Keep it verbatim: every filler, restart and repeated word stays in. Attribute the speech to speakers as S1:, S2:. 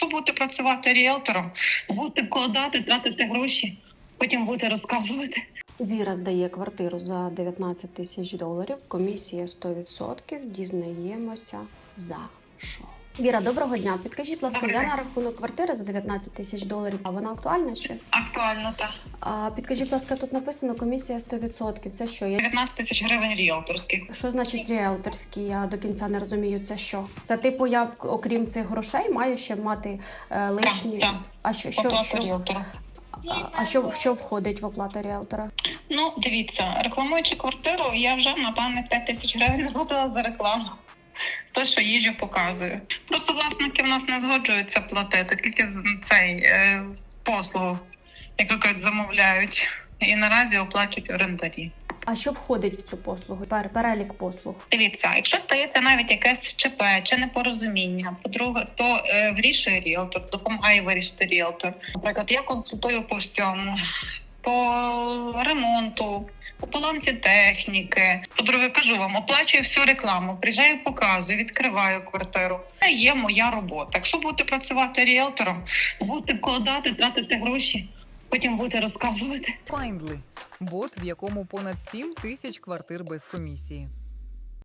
S1: Якщо будете працювати ріелтором, будете вкладати, тратити гроші, потім будете розказувати.
S2: Віра здає квартиру за дев'ятнадцять тисяч доларів, комісія сто відсотків, дізнаємося за що. Віра, доброго дня. Підкажіть, будь ласка,
S1: Добрий
S2: я
S1: день.
S2: на рахунок квартири за дев'ятнадцять тисяч доларів, а вона актуальна чи?
S1: Актуально, так.
S2: А, підкажіть, будь ласка, тут написано комісія сто відсотків. Це що? Я...
S1: дев'ятнадцять тисяч гривень ріелторських.
S2: Що значить ріелторські? Я до кінця не розумію, це що? Це типу я, окрім цих грошей, маю ще мати е, лишні...
S1: Так, так.
S2: А що, що,
S1: Оплата
S2: що,
S1: ріелтора.
S2: а, а що, що входить в оплату ріелтора?
S1: Ну, дивіться, рекламуючи квартиру, я вже, напевне, п'ять тисяч гривень заплатила за рекламу. Те, що їжу показую. Просто власники в нас не згоджуються платити, тільки цей е, послугу, яку кажуть, замовляють. І наразі оплачують орендарі.
S2: А що входить в цю послугу? Пер, перелік послуг.
S1: Дивіться, якщо стається навіть якесь ЧП чи непорозуміння, по-друге, то е, вирішує ріелтор, допомагає вирішити ріелтор. Наприклад, я консультую по всьому, по ремонту, по поломці техніки. По-друге, кажу вам, оплачую всю рекламу, приїжджаю, показую, відкриваю квартиру. Це є моя робота. Якщо будете працювати ріелтором, будете вкладати, тратити гроші, потім будете розказувати.
S3: Findly – бот, в якому понад сім тисяч квартир без комісії.